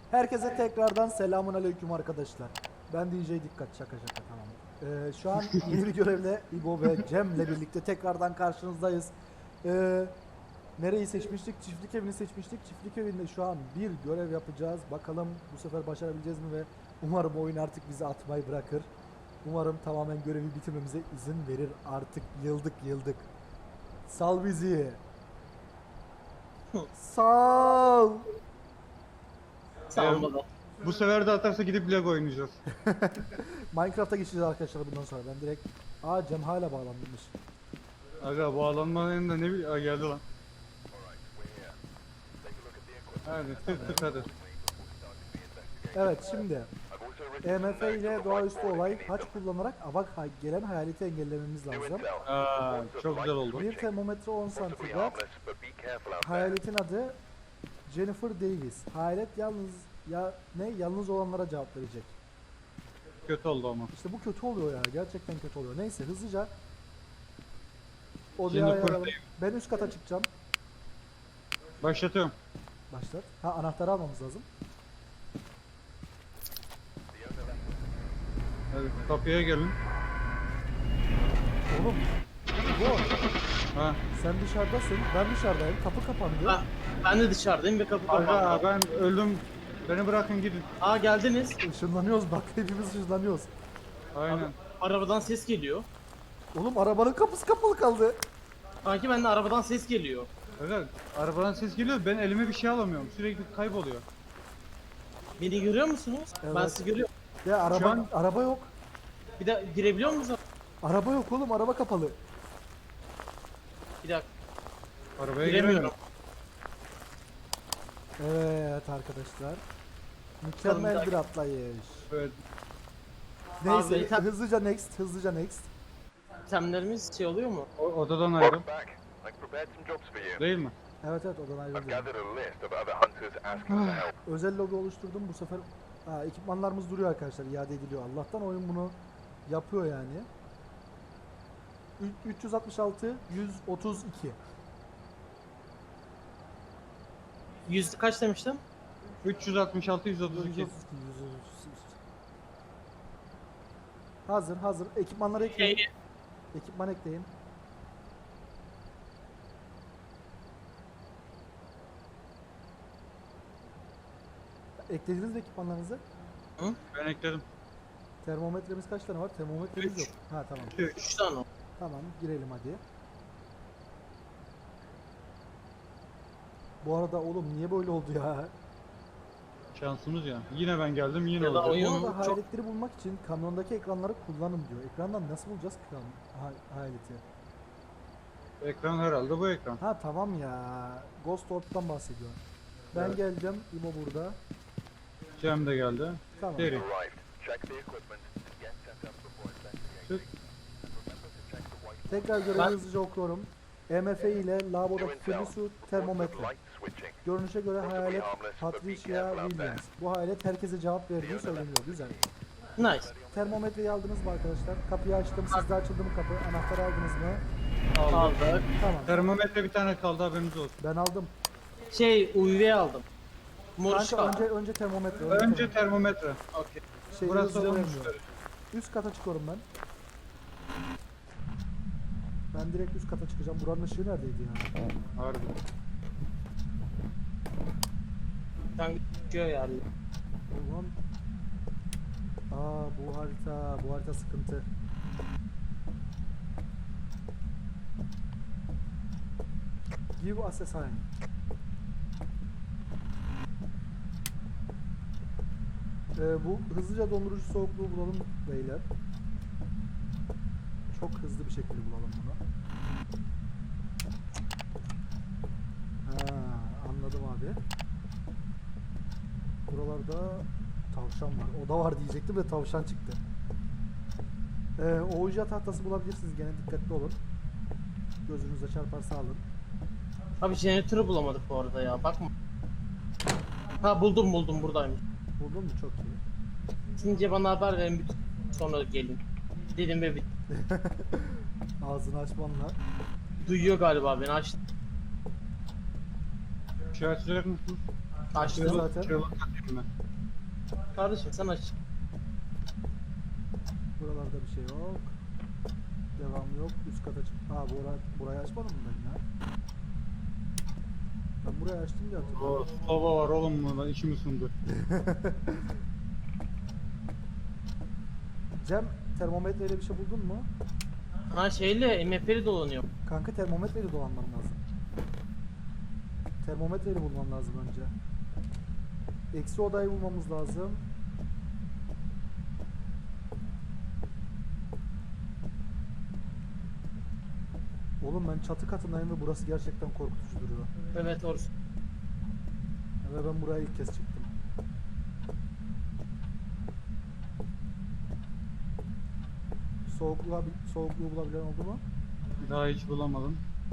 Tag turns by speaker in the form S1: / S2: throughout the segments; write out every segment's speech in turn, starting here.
S1: Herkese tekrardan selamun aleyküm arkadaşlar. Ben DJ Dikkat, şaka tamam. Şu an yeni bir görevle İbo ve Cem'le birlikte tekrardan karşınızdayız. Nereyi seçmiştik? Çiftlik evini seçmiştik. Çiftlik evinde şu an bir görev yapacağız. Bakalım bu sefer başarabileceğiz mi ve umarım oyun artık bizi atmayı bırakır. Umarım tamamen görevi bitirmemize izin verir. Artık yıldık. Sal bizi. Sal.
S2: Sağ olun.
S3: Bu sefer de atarsa gidip Lego oynayacağız.
S1: Minecraft'a geçeceğiz arkadaşlar bundan sonra. Ben direkt... Aa, Cem hala bağlanmış.
S3: Aga bağlanmanın da ne bileyim. Aa, geldi lan. Hadi tık hadi.
S1: Evet, şimdi EMF ile doğaüstü olay haç kullanarak gelen hayaleti engellememiz lazım.
S3: Aa, çok güzel oldu.
S1: Bir termometre 10 santigrat. Hayaletin adı Jennifer Davis. Hayalet yalnız olanlara cevap verecek.
S3: Kötü oldu ama.
S1: İşte bu kötü oluyor ya. Gerçekten kötü oluyor. Neyse, hızlıca odaya
S3: Jennifer
S1: ayarlayalım.
S3: Davis.
S1: Ben üst kata çıkacağım.
S3: Başlatıyorum.
S1: Başlat. Ha, anahtarı almamız lazım.
S3: Hadi kapıya gelin.
S1: Oğlum, bu
S3: Ha.
S1: sen dışarıdasın, ben dışarıdayım. Kapı kapandı.
S2: Ah, ben de dışarıdayım ve kapı kapandı.
S3: Aga ben öldüm. Beni bırakın gidin.
S2: Aa geldiniz.
S1: Işınlanıyoruz bak, hepimiz ışınlanıyoruz.
S3: Aynen.
S2: Arabadan ses geliyor.
S1: Oğlum, arabanın kapısı kapalı kaldı.
S2: Sanki bende arabadan ses geliyor.
S3: Aga arabadan ses geliyor. Ben elime bir şey alamıyorum. Sürekli kayboluyor.
S2: Beni görüyor musunuz? Ben
S1: Evet.
S2: sizi görüyorum.
S1: Ya
S3: Şu an-
S1: araba yok.
S2: Bir de girebiliyor musunuz?
S1: Araba yok oğlum, araba kapalı.
S2: Bir dakika.
S3: Arabaya
S2: Giremiyorum.
S3: giremiyorum.
S1: Evet arkadaşlar. Mükemmel
S2: Bakalım,
S1: bir atlayış.
S3: Evet.
S1: Neyse,
S2: Abi, tam-
S1: hızlıca next.
S2: İtemlerimiz şey oluyor mu?
S3: Odadan ayrıl.
S4: Back. I've prepared some jobs for you.
S3: Değil mi?
S1: Evet, odan ayrıldı.
S4: I've gathered a list of other hunters asking for help.
S1: Özel logo oluşturdum bu sefer. Ekipmanlarımız duruyor arkadaşlar, iade ediliyor. Allah'tan oyun bunu yapıyor yani. 366 132.
S2: 100 kaç demiştim?
S3: 366 132.
S1: 132. Hazır. Ekipmanları ekleyin.
S2: Şey,
S1: Ekipman ekleyin. Eklediniz mi ekipmanlarınızı?
S3: Ben ekledim.
S1: Termometremiz kaç tane var? Termometremiz
S2: Üç.
S1: yok. Ha, tamam.
S2: 3 tane o.
S1: Tamam, girelim hadi. Bu arada oğlum, niye böyle oldu ya?
S3: Şansımız ya. Yine ben geldim yine
S2: Ya da
S3: oldu.
S2: oyun-
S1: Bu arada
S2: çok-
S1: hayaletleri bulmak için kamyondaki ekranları kullanın diyor. Ekrandan nasıl bulacağız ki hayaleti?
S3: Ekran herhalde bu ekran.
S1: Ha, tamam ya. Ghost Orb'dan bahsediyor. Ben
S3: Evet.
S1: geldim. İbo burada.
S3: Cem de geldi.
S1: Tamam.
S3: Deri.
S4: Arrived. Check the equipment and get set up before investigating.
S3: Çık.
S4: Remember to check the white
S1: Tekrar görevi
S2: Ben-
S1: hızlıca okuyorum. EMF ile lavabodaki
S4: to intel.
S1: kirli su
S4: Reports of
S1: termometre.
S4: light switching.
S1: Görünüşe göre hayalet Patricia Williams. Bu hayalet herkese cevap verdiği söyleniyor. Güzel.
S2: Nice.
S1: Termometreyi aldınız mı arkadaşlar? Kapıyı açtım. Sizde açıldı mı kapı? Anahtarı aldınız mı?
S3: Aldım.
S2: Aldık.
S1: Tamam.
S3: Termometre bir tane kaldı haberiniz olsun.
S1: Ben aldım.
S2: Şey UV aldım.
S1: Kanka,
S2: Moruşka.
S1: önce termometre.
S3: Önce termometre.
S2: Okey.
S1: Şey,
S3: Burası
S1: hızlıca
S3: olmuş.
S1: vermiyor. Üst kata çıkıyorum ben. Ben direkt üst kata çıkacağım. Buranın ışığı neredeydi ya?
S3: Harbi.
S2: Sen geçiyor yani.
S1: Ulan. Bu harita sıkıntı. Give us a sign. Bu hızlıca dondurucu soğukluğu bulalım beyler. Çok hızlı bir şekilde bulalım bunu. Ha, anladım abi. Buralarda tavşan var. Oda var diyecektim de tavşan çıktı. Ouija tahtası bulabilirsiniz, gene dikkatli olun. Gözünüze çarparsa alın.
S2: Abi jeneratörü bulamadık bu arada ya. Bakma. Ha buldum buradaymış.
S1: Buldun mu? Çok iyi.
S2: Şimdi bana haber verin sonra gelin. Dedim ve
S1: Ağzını açmanla.
S2: duyuyor galiba beni açtı.
S3: İşaret verir misiniz?
S2: Açtım.
S1: Zaten.
S3: Çığlık atayım ben.
S2: Kardeşim sen aç.
S1: Buralarda bir şey yok. Devam yok. Üst kata çık. Burayı açmadım mı ben ya? Ben burayı açtım diye hatırlıyorum.
S3: Soba var oğlum burada içimi sundu.
S1: Cem, termometreyle bir şey buldun mu?
S2: Ha şeyle MF'li dolanıyor.
S1: Kanka termometreyle dolanman lazım. Termometreyle bulman lazım önce. Eksi odayı bulmamız lazım. Oğlum ben çatı katındayım ve burası gerçekten korkutucu duruyor.
S2: Evet orası.
S1: Ve ben buraya ilk kez çıktım. Soğukluğu bulabilen oldu mu?
S3: Daha hiç bulamadım.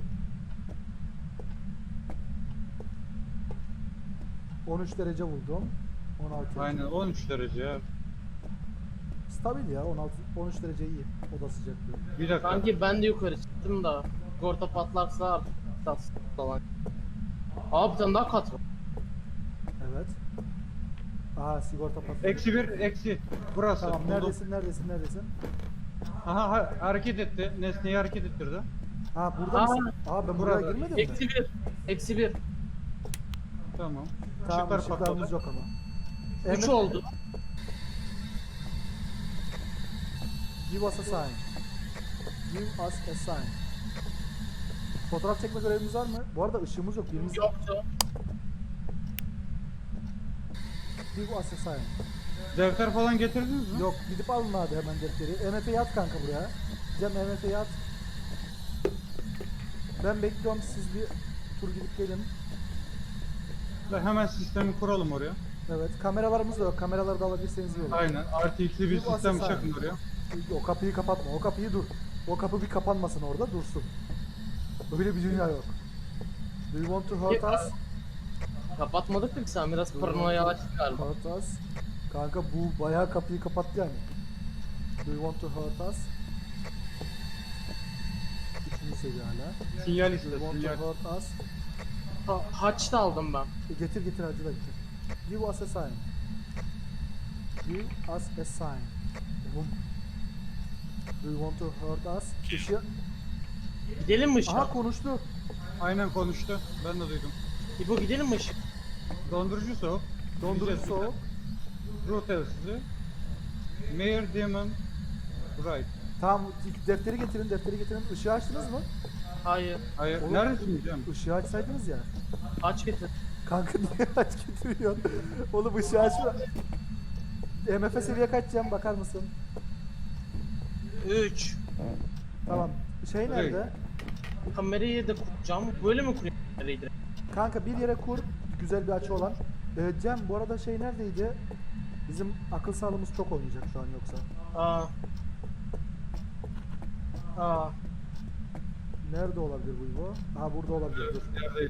S1: — 13 derece buldum. 16.
S3: Aynen 13 derece ya.
S1: Stabil ya, 13 derece iyi. Oda sıcaklığı.
S3: Bir dakika.
S2: Sanki ben de yukarı çıktım da. Sigorta patlarsa artık falan. Abi bir tane daha kat var.
S1: Evet. Aha, sigorta patladı.
S3: Eksi 1 eksi. Burası.
S1: Tamam,
S3: buldum.
S1: neredesin?
S3: Aha hareket etti. Nesneyi hareket ettirdi.
S1: Ha, burada
S2: Aa,
S1: mısın? Aa, ben buraya
S3: burada.
S1: girmedim mi?
S2: Eksi bir. Eksi bir.
S3: Tamam.
S1: Tamam,
S3: Işıklar
S1: ışıklarımız
S3: patladı.
S1: yok ama.
S2: 3
S1: Emre,
S2: oldu.
S1: Give us a sign. Give us a sign. Fotoğraf çekme görevimiz var mı? Bu arada ışığımız yok. Birimiz
S2: Yoktu.
S1: Give us a sign.
S3: Defter falan getirdiniz mi?
S1: Yok, gidip alın abi hemen defteri. MF'yi at kanka buraya. Cem, MF'yi at. Ben bekliyorum, siz bir tur gidip gelin.
S3: Ve hemen sistemi kuralım oraya.
S1: Evet, kameralarımız da yok. Kameraları da alabilirseniz iyi olur.
S3: Aynen. RTX'li bir
S1: Bir
S3: sistem
S1: basın
S3: çakın
S1: sağ.
S3: oraya.
S1: O kapıyı kapatma. O kapıyı dur. O kapı bir kapanmasın, orada dursun. Öyle bir dünya yok. Do you want to hurt us?
S2: Kapatmadık mı ki sen biraz paranoya açtık galiba.
S1: Hurt us. Kanka bu bayağı kapıyı kapattı yani. Do you want to hurt us? Üçüncü seviye hala.
S3: Sinyal
S1: Do
S3: iste,
S1: you want
S3: sinyal.
S1: to hurt us?
S2: Haç da aldım ben.
S1: Getir hacı da getir. Give us a sign. Give us a sign. Oğlum. Do you want to hurt us? Işığı...
S2: Gidelim mi ışığa?
S1: Aha, konuştu.
S3: Aynen konuştu. Ben de duydum.
S2: İbo gidelim mi ışık?
S3: Dondurucu soğuk.
S1: Dondurucu
S3: Gideceğiz
S1: soğuk.
S3: Ruh telsizi. Mayor Demon. Right.
S1: Tamam, defteri getirin. Işığı açtınız mı?
S2: Hayır.
S3: Hayır.
S1: Oğlum-
S3: Neredesin Cem?
S1: Işığı açsaydınız ya.
S2: Aç getir.
S1: Kanka niye aç getiriyorsun? Oğlum ışığı açma. MF seviye kaç Cem, bakar mısın?
S2: 3.
S1: Tamam. Şey nerede?
S2: Kamerayı da kuracağım. Böyle mi kurayım kamerayı direkt?
S1: Kanka bir yere kur. Güzel bir açı olan. Cem, bu arada şey neredeydi? Bizim akıl sağlığımız çok oynayacak şu an yoksa.
S2: Aa.
S1: Nerede olabilir bu İbo? Aha, burada olabilir, dur.
S3: Neredeydi?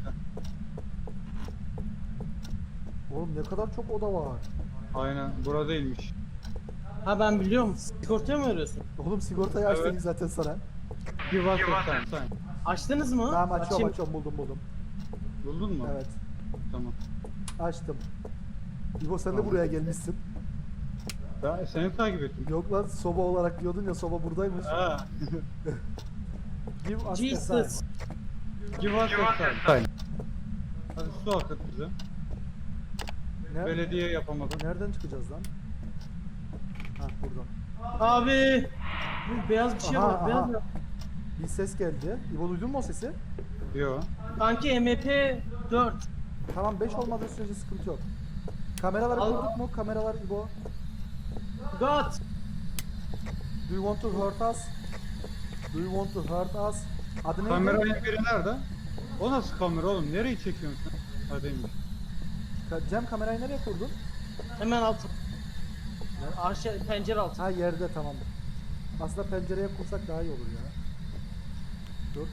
S1: Oğlum ne kadar çok oda var.
S3: Aynen. Buradaymış.
S2: Ha ben biliyorum. Sigortaya mı arıyorsun?
S1: Oğlum sigortayı açtık
S3: Evet.
S1: zaten sana.
S3: Give us a sign. Sign.
S2: Açtınız mı?
S1: Tamam,
S2: Açayım.
S1: açıyorum, buldum.
S3: Buldun mu?
S1: Evet,
S3: Tamam.
S1: açtım. İbo, sen de
S3: Tamam.
S1: buraya gelmişsin.
S3: Ben seni takip ettim.
S1: Yok lan, soba olarak diyordun ya, soba buradaymış.
S3: Ha.
S1: Give us a
S2: Jesus.
S1: sign.
S3: Give us a sign. Hadi su akıt bize. Belediye yapamadım.
S1: Nereden çıkacağız lan? Ha, buradan.
S2: Abi. Bu beyaz bir şey
S1: Aha,
S2: var. Beyaz
S1: aha.
S2: ya.
S1: Bir ses geldi. İbo, duydun mu o sesi?
S3: Yo.
S2: Sanki MP 4.
S1: Tamam, 5 olmadığı sürece sıkıntı yok. Kameraları
S2: Al.
S1: kurduk mu? Kameralar İbo.
S2: God.
S1: Do you want to hurt us? Do you want to hurt us? Adı neydi?
S3: Kameranın biri nerede? O nasıl kamera oğlum? Nereyi çekiyorsun sen? Hadi
S1: Cem, kamerayı nereye kurdun?
S2: Hemen altı. Aşağı pencere altı.
S1: Ha, yerde, tamam. Aslında pencereye kursak daha iyi olur ya. Dur.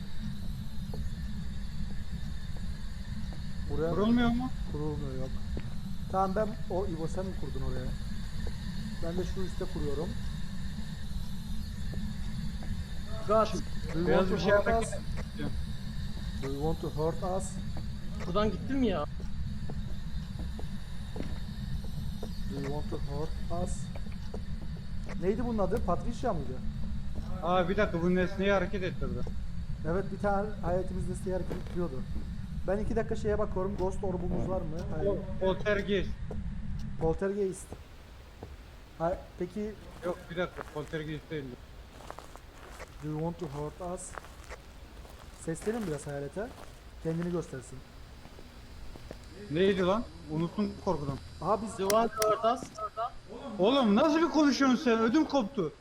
S1: Buraya
S3: Kurulmuyor mu?
S1: kurulmuyor, yok. Tamam, ben o İbo, sen mi kurdun oraya? Ben de şu üstte kuruyorum.
S2: God.
S1: Do you
S3: Beyaz
S1: want
S3: bir
S1: to
S3: şey
S1: hurt
S3: hareket
S1: us?
S3: ediyor.
S1: Do you want to hurt us?
S2: Buradan gittim ya.
S1: to hurt us. Neydi bunun adı? Patricia mıydı?
S3: Aa bir dakika, bu nesneyi hareket ettirdi.
S1: Evet, bir tane hayatımız listeyi hareket ettiriyordu. Ben 2 dakika şeye bakıyorum. Ghost orbumuz var mı? Hayır.
S3: Poltergeist.
S1: Poltergeist. Peki
S3: Yok bir dakika, poltergeist değildi.
S1: do you want to hurt us? Seslenin biraz hayalete. Kendini göstersin.
S3: Neydi lan? Unuttum korkudan.
S1: Aha biz
S2: Duvar ortas.
S3: Oğlum nasıl bir konuşuyorsun sen? Ödüm koptu.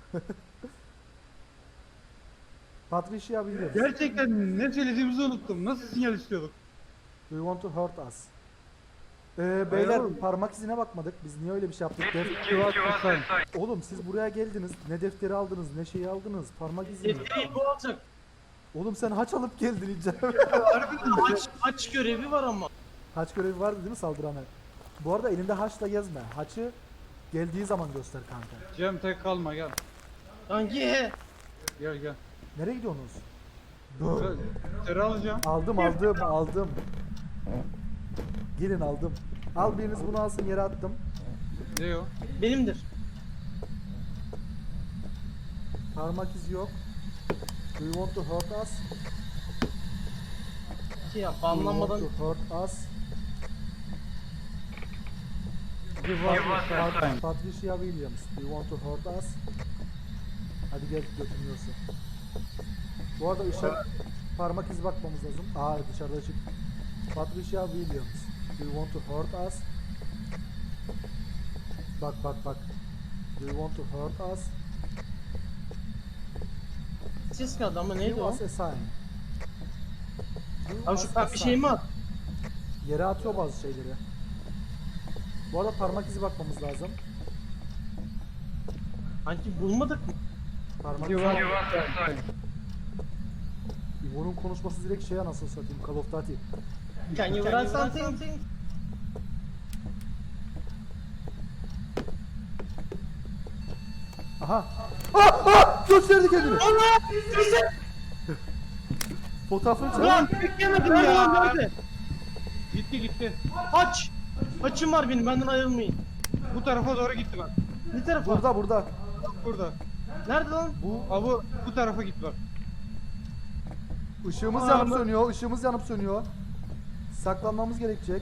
S1: Patricia Williams.
S3: Gerçekten ne söylediğimizi unuttum. Nasıl sinyal istiyorduk?
S1: Do you want to hurt us? Beyler
S3: oğlum.
S1: parmak izine bakmadık. Biz niye öyle bir şey yaptık? Oğlum siz buraya geldiniz. Ne defteri aldınız, ne şeyi aldınız. Parmak izini.
S2: Defteri bu olacak.
S1: Oğlum sen haç alıp geldin İcem.
S2: Aç görevi var ama.
S1: Haç görevi vardı değil mi saldırana? Bu arada elinde haçla gezme. Haçı geldiği zaman göster kanka.
S3: Cem tek kalma gel.
S2: Hangi?
S3: Gel gel.
S1: Nereye gidiyorsunuz?
S3: Teri alacağım.
S1: Aldım. Gelin aldım. Al biriniz bunu alsın, yere attım.
S3: Ne o?
S2: Benimdir.
S1: Parmak izi yok. Do you want to hurt us?
S2: Şey yap,
S1: Do you
S2: banlanmadan
S1: want to hurt us?
S3: Give us a time.
S1: Patricia Williams. Do you want to hurt us? Hadi gel götürüyorsun. Bu arada parmak izi bakmamız lazım. Aa dışarıda çık. Patricia Williams. Do you want to hurt us? Bak. Do you want to hurt us?
S2: ses kaldı ama neydi
S1: Give
S2: o?
S1: us a sign. Give
S2: Abi
S1: us
S2: şu
S1: a
S2: pembe
S1: sign.
S2: şey mi at?
S1: Yere atıyor bazı şeyleri. Bu arada parmak izi bakmamız lazım.
S2: Sanki bulmadık mı?
S1: Parmak
S3: Give
S1: izi.
S3: us a time.
S1: İbo'nun konuşması direkt şey anasını satayım. Call of Duty.
S2: Can you write something?
S1: Aha. Gösterdi kendini. Fotoğrafını çek.
S2: Ulan beklemedim ya. Nerede?
S3: Gitti.
S2: Aç. Açım var benim, benden ayrılmayın.
S3: Bu tarafa doğru gitti bak.
S2: Ne tarafa?
S1: Burada.
S3: Burada.
S2: Nerede lan?
S3: Bu bu tarafa git bak.
S1: Işığımız
S2: Aa,
S1: yanıp
S2: bu-
S1: sönüyor. Işığımız yanıp sönüyor. Saklanmamız gerekecek.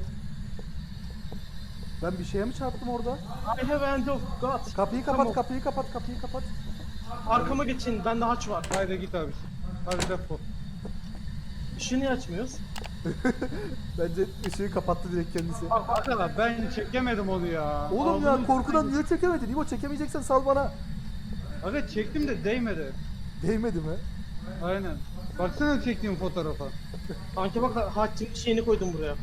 S1: Ben bir şeye mi çarptım orada?
S2: I have end of God.
S1: Kapıyı
S2: Tamam.
S1: kapat, kapıyı kapat.
S2: Arkama geçin, bende haç var.
S3: Haydi git abisi. Hadi defol.
S2: Işığı niye açmıyoruz?
S1: Bence ışığı kapattı direkt kendisi.
S3: Arkadaşlar ben çekemedim onu ya.
S1: Oğlum ya
S3: Ağzını-
S1: korkudan niye çekemedin? İbo çekemeyeceksen sal bana.
S3: Aga çektim de değmedi.
S1: Değmedi mi?
S3: Aynen. Baksana çektiğim fotoğrafa.
S2: Sanki bak haçın şeyini koydum buraya.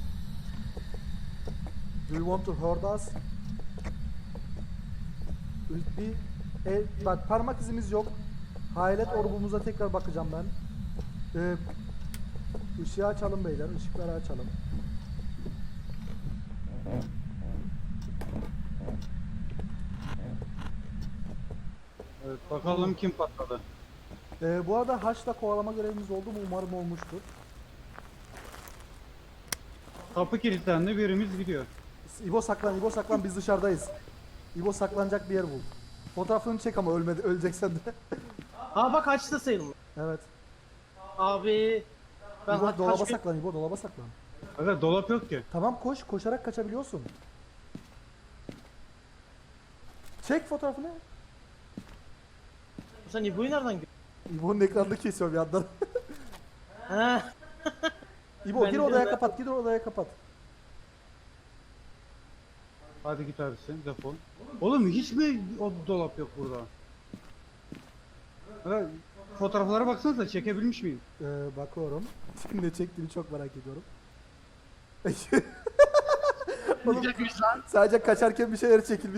S1: Do you want to hurt us? Bak parmak izimiz yok. Hayalet orbumuza tekrar bakacağım ben. Işığı açalım beyler, ışıkları açalım.
S3: Evet, bakalım kim patladı.
S1: Bu arada haçla kovalama görevimiz oldu mu? Umarım olmuştur.
S3: Kapı kilitlendi, birimiz gidiyor.
S1: İbo saklan, biz dışarıdayız. İbo saklanacak bir yer bul. Fotoğrafını çek ama öleceksen de.
S2: Ha bak haç da sayılmıyor.
S1: Evet.
S2: Abi ben
S1: İbo dolaba
S2: haç
S1: saklan, İbo dolaba saklan.
S3: Aga dolap yok ki.
S1: Tamam koşarak kaçabiliyorsun. Çek fotoğrafını.
S2: Sen İbo'yu nereden gördün?
S1: İbo'nun ekranını kesiyor bir yandan.
S2: He.
S1: İbo
S2: Ben
S1: gir
S2: de
S1: odaya
S2: öyle-
S1: kapat, gir odaya kapat.
S3: Hadi git abisi, defol. Oğlum hiç mi o dolap yok burada? Aga fotoğraflara baksanıza, çekebilmiş miyim?
S1: Bakıyorum. Ne çektiğini çok merak ediyorum.
S2: Diyecekmiş lan.
S1: Sadece kaçarken bir şeyler çekilmiş.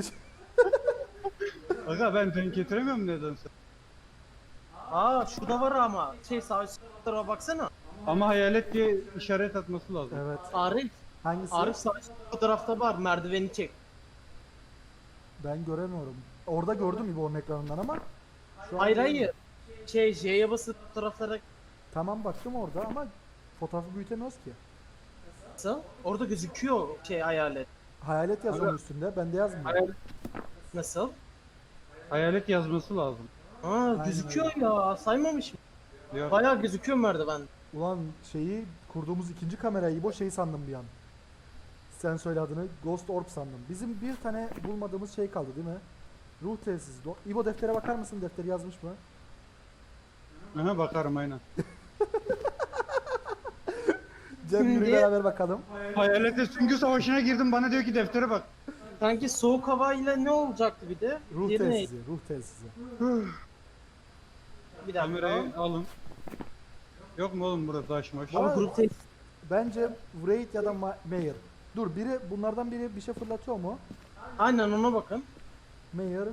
S3: Aga ben denk getiremiyorum nedense.
S2: Aa şurada var ama. Sağ üst tarafa baksana.
S3: Ama hayalet diye işaret atması lazım.
S1: Evet.
S2: Arif.
S1: Hangisi?
S2: Arif sağ üst fotoğrafta var. Merdiveni çek.
S1: Ben göremiyorum. Orada gördüm İbo'nun ekranından ama. Şu an
S2: Hayır
S1: göremiyorum.
S2: hayır. J'ye basıp fotoğraflara
S1: Tamam baktım orada ama fotoğrafı büyütemiyoruz ki.
S2: orada gözüküyor hayalet.
S1: Hayalet yazıyor üstünde. Bende yazmıyor.
S2: Hayal- Nasıl?
S3: Hayalet yazması lazım.
S2: Aa gözüküyor ya saymamış mı?
S3: Yok.
S2: Bayağı gözüküyor merdiven.
S1: Ulan şeyi kurduğumuz ikinci kamerayı İbo şey sandım bir an. Sen söyle adını. Ghost Orb sandım. Bizim bir tane bulmadığımız şey kaldı değil mi? Ruh telsizi. İbo deftere bakar mısın? Defteri yazmış mı?
S3: Aha, bakarım aynen.
S1: Cem yürü
S2: Şimdi-
S1: beraber bakalım.
S3: Hayalete süngü savaşına girdim, bana diyor ki deftere bak.
S2: Sanki soğuk havayla ne olacaktı bir de?
S1: Ruh
S2: Diğeri neydi?
S1: telsizi. Ruh telsizi.
S2: Bir dakika.
S3: Kamerayı alın. Yok mu oğlum burası açmış?
S1: Ama-
S2: Grup tek.
S1: Bence Wraith ya da Mayer. Dur bunlardan biri bir şey fırlatıyor mu?
S2: Aynen ona bakın.
S1: Mayer.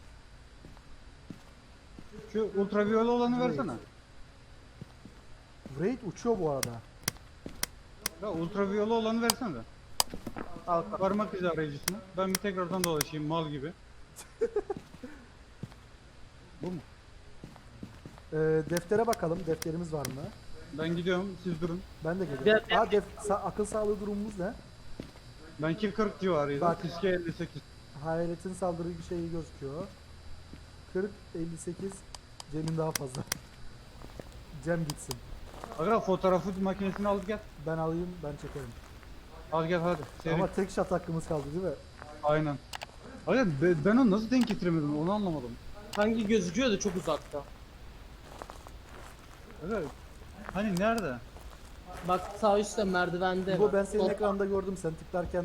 S3: Şu ultraviyole olanı versene.
S1: Wraith uçuyor bu arada.
S3: Ya ultraviyole olanı versene de.
S2: Al.
S3: Parmak izi arayıcısını. Ben bir tekrardan dolaşayım mal gibi. Bu mu?
S1: Deftere bakalım. Defterimiz var mı?
S3: Ben gidiyorum, siz durun.
S1: Ben de geliyorum.
S2: Bir-
S1: Akıl sağlığı durumumuz ne?
S3: Benki 40 civarıydı.
S1: Bak.
S3: Fiske 58.
S1: Hayaletin saldırı şeyi gözüküyor. 40, 58. Cem'in daha fazla. Cem gitsin.
S3: Aga fotoğrafı makinesini al gel.
S1: Ben alayım, ben çekerim.
S3: Al gel hadi. Seri.
S1: Ama tek shot hakkımız kaldı değil mi?
S3: Aynen. Aga ben onu nasıl denk getiremedim onu anlamadım.
S2: Hangi gözüküyordu çok uzakta.
S3: Aga hani nerede?
S2: Bak sağ üstte merdivende.
S1: Bu ben senin
S2: Sol-
S1: ekranda gördüm sen tıklarken.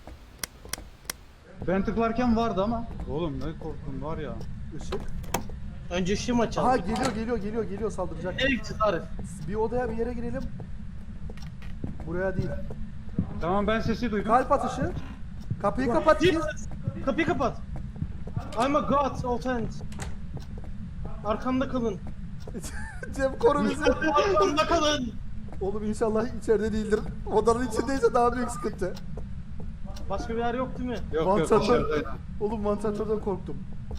S3: Ben tıklarken vardı ama. Oğlum ne korktum var ya.
S1: Işık.
S2: Önce ışığı mı açalım?
S1: Aha geliyor saldıracak.
S2: Nereye gideceğiz Arif?
S1: Bir odaya bir yere girelim. Buraya değil.
S3: Tamam ben sesi duydum.
S1: Kalp atışı. Kapıyı kapat.
S2: Jesus! Kapıyı kapat. I'm a god of hands. Arkamda kalın.
S1: Cem koru bizi.
S2: Arkamda kalın.
S1: Oğlum inşallah içeride değildir. Odanın içindeyse daha büyük sıkıntı.
S2: Başka bir yer yok değil mi?
S3: Yok
S1: Vantilatör.
S3: dışarıdaydı.
S1: Oğlum vantilatörden korktum.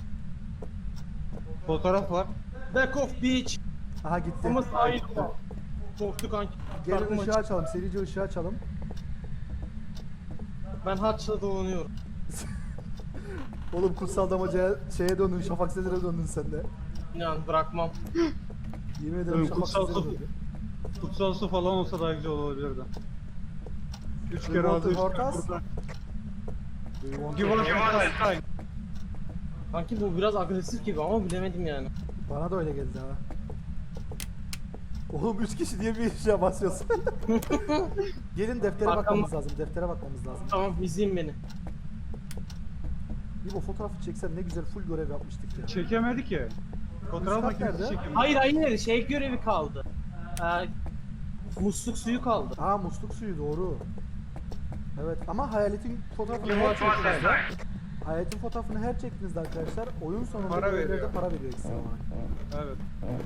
S3: Fotoğraf var.
S2: Back off beach.
S1: Aha gitti.
S2: Ama sahil var. Korktuk kanki.
S1: Gelin
S2: Karnım
S1: ışığı
S2: acıktı.
S1: açalım. Serice ışığı açalım.
S2: Ben haçla dolanıyorum.
S1: Oğlum kutsal damacaya şeye döndün. Şafak Sezer'e döndün sen de.
S2: İnan bırakmam.
S1: Yemin ederim
S3: Oğlum,
S1: Şafak
S3: kutsal
S1: Sezer'e
S3: su.
S1: döndün.
S3: Kutsal su falan olsa daha güzel olabilirdi. 3
S1: We
S3: kere
S1: want
S3: aldı
S1: to
S3: 3
S1: hurt
S3: kere
S1: us?
S3: burada.
S1: Do you want
S3: Give
S1: to-
S3: us time.
S2: Kanki bu biraz agresif gibi ama bilemedim yani.
S1: Bana da öyle geldi ha. Oğlum 3 kişi diye bir işe basıyorsun. Gelin deftere
S2: Arkamda-
S1: bakmamız lazım. Deftere bakmamız lazım.
S2: Tamam izleyin beni.
S1: Bir bu fotoğrafı çeksen ne güzel full görev yapmıştık ya.
S3: Çekemedi ki. Fotoğraf
S1: Üstad
S3: makinesi
S1: nerede?
S3: çekemedi.
S2: Hayır şey görevi kaldı. Musluk suyu kaldı.
S1: Aa musluk suyu doğru. Evet ama hayaletin fotoğrafını
S3: Kim
S1: her
S3: var?
S1: çektiğinizde hayaletin fotoğrafını her çektiğinizde arkadaşlar oyun sonunda
S3: Para
S1: görevlerde
S3: veriyor.
S1: para veriyor ekstra olarak.
S3: Evet.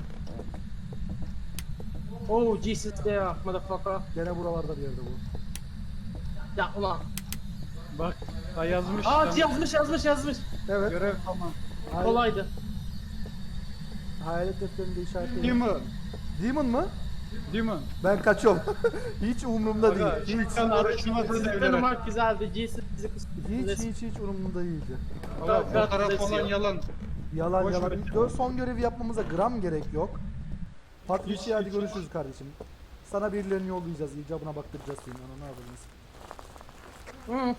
S2: Oh Jesus there motherfucker.
S1: Gene buralarda bir yerde bu.
S2: Ya ulan.
S3: Bak. Ha yazmış.
S2: Aa
S3: Tamam.
S2: yazmış.
S1: Evet.
S3: Görev tamam.
S2: Kolaydı.
S1: Hayalet defterinde işaretledim.
S3: Demon.
S1: Demon mı?
S3: Demon.
S1: Ben kaçıyorum. Hiç umurumda
S3: Aga,
S1: değil. Hiç.
S3: sen araştırmasını
S2: Sizden
S3: devlere.
S2: umak güzeldi. Jesus bizi
S1: Hiç umurumda değildi.
S3: Ama
S2: Ben-
S3: fotoğraf
S2: ben-
S3: falan yalan.
S1: Yalan
S3: Boş
S1: yalan.
S3: ver.
S1: Son görevi yapmamıza gram gerek yok. Patricia hadi görüşürüz kardeşim. Sana birilerini yollayacağız. İcabına baktıracağız senin. Ana ne yapalım?
S2: Hı,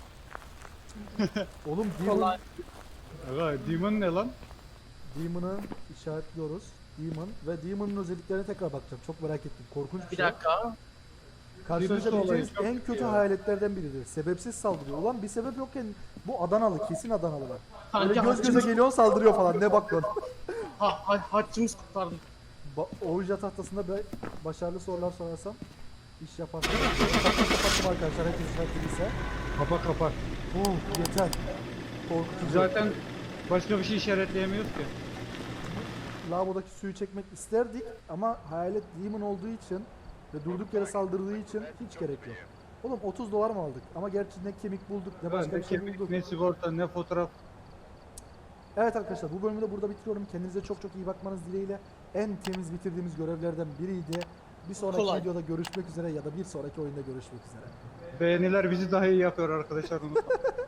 S1: Oğlum Demon,
S2: kolay.
S3: Aga Demon ne lan?
S1: Demon'ı işaretliyoruz. Demon ve Demon'ın özelliklerine tekrar bakacağım. Çok merak ettim. Korkunç bir
S2: Bir
S1: şey.
S2: dakika.
S1: Karşılaşabileceğiniz
S3: Birisi olayı
S1: en
S3: çok
S1: kötü
S3: ya.
S1: hayaletlerden biridir. Sebepsiz saldırıyor. Ulan bir sebep yokken bu Adanalı. Kesin Adanalılar.
S2: Kanki
S1: Böyle göz göze
S2: haçımız,
S1: geliyor saldırıyor falan. Ne bak lan.
S2: haçımız kurtardı.
S1: Ouija tahtasında başarılı sorular sorarsam iş yaparsın. Kapattım arkadaşlar. Herkes işaretliyse.
S3: Kapa kapa.
S1: Yeter. Korkutucu.
S3: Zaten başka bir şey işaretleyemiyoruz ki.
S1: Lavabodaki suyu çekmek isterdik ama hayalet demon olduğu için ve durduk yere saldırdığı için hiç gerek yok. Oğlum 30 dolar mı aldık? Ama gerçi ne kemik bulduk ne başka
S3: Ne
S1: bir şey
S3: kemik,
S1: bulduk.
S3: ne sigorta, ne fotoğraf.
S1: Evet arkadaşlar bu bölümü de burada bitiriyorum. Kendinize çok çok iyi bakmanız dileğiyle en temiz bitirdiğimiz görevlerden biriydi. Bir sonraki
S2: Kolay.
S1: videoda görüşmek üzere ya da bir sonraki oyunda görüşmek üzere.
S3: Beğeniler bizi daha iyi yapıyor arkadaşlar, unutmayın.